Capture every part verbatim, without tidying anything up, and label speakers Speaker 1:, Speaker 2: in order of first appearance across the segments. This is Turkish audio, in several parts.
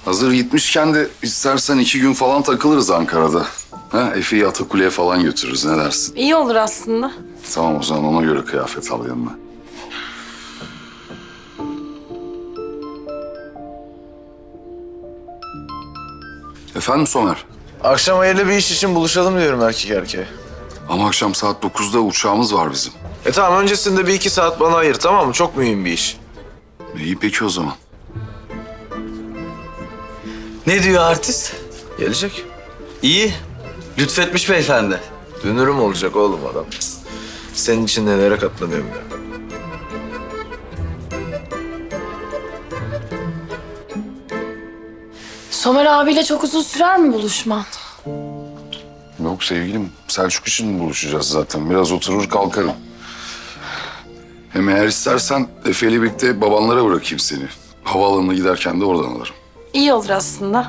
Speaker 1: Hazır gitmişken de istersen iki gün falan takılırız Ankara'da. Ha, Efe'yi Atakule'ye falan götürürüz. Ne dersin?
Speaker 2: İyi olur aslında.
Speaker 1: Tamam, o zaman ona göre kıyafet al yanına. Efendim Somer?
Speaker 3: Akşam hayırlı bir iş için buluşalım diyorum erkek erkeğe.
Speaker 1: Ama akşam saat dokuzda uçağımız var bizim.
Speaker 3: E tamam, öncesinde bir iki saat bana ayır, tamam mı? Çok mühim bir iş.
Speaker 1: İyi peki o zaman.
Speaker 4: Ne diyor artist?
Speaker 3: Gelecek.
Speaker 4: İyi. Lütfetmiş beyefendi.
Speaker 3: Dünürüm olacak oğlum adam. Senin için nelere katlanıyorum ya.
Speaker 2: Somer abiyle çok uzun sürer mi buluşman?
Speaker 1: Yok sevgilim, Selçuk için buluşacağız zaten. Biraz oturur kalkarım. Hem eğer istersen Efe'yle birlikte babanlara bırakayım seni. Havaalanına giderken de oradan alırım.
Speaker 2: İyi olur aslında.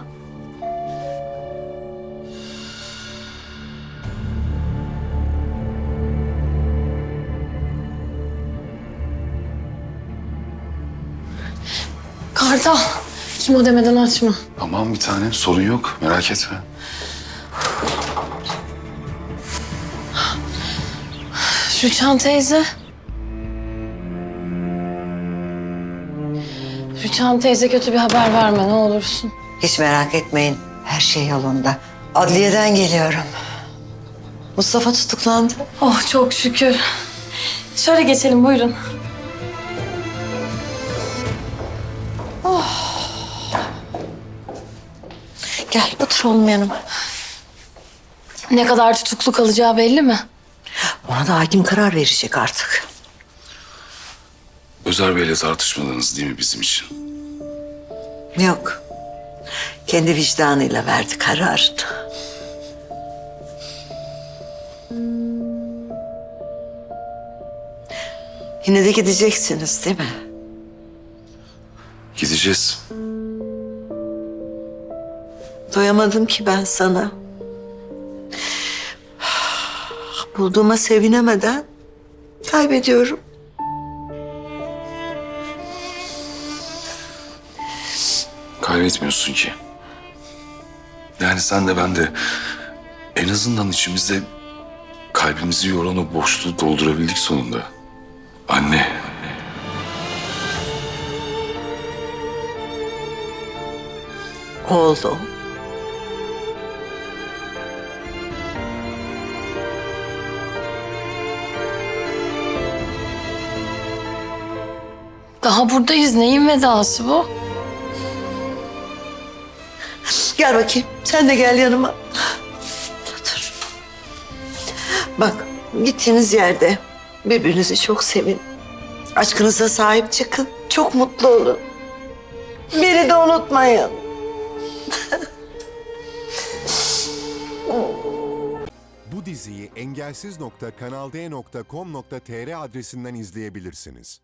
Speaker 2: Kartal, kim o demeden açma.
Speaker 1: Aman bir tanem, sorun yok. Merak etme.
Speaker 2: Rüçhan teyze. Rüçhan teyze kötü bir haber verme ne olursun.
Speaker 5: Hiç merak etmeyin. Her şey yolunda. Adliyeden geliyorum. Mustafa tutuklandı.
Speaker 2: Oh çok şükür. Şöyle geçelim buyurun.
Speaker 5: Gel otur oğlum yanıma.
Speaker 2: Ne kadar tutuklu kalacağı belli mi?
Speaker 5: Ona da hakim karar verecek artık.
Speaker 1: Özer Bey'le tartışmadınız değil mi bizim için?
Speaker 5: Yok. Kendi vicdanıyla verdi kararını. Yine de gideceksiniz değil mi?
Speaker 1: Gideceğiz.
Speaker 5: Doyamadım ki ben sana. Bulduğuma sevinemeden kaybediyorum.
Speaker 1: Kaybetmiyorsun ki. Yani sen de ben de en azından içimizde kalbimizi yoran o boşluğu doldurabildik sonunda. Anne.
Speaker 5: Oldu.
Speaker 2: Daha buradayız. Neyin vedası bu?
Speaker 5: Gel bakayım. Sen de gel yanıma. Otur. Bak, gittiğiniz yerde birbirinizi çok sevin. Aşkınıza sahip çıkın. Çok mutlu olun. Beni de unutmayın.
Speaker 6: Bu diziyi engelsiz nokta kanal d nokta com nokta tr adresinden izleyebilirsiniz.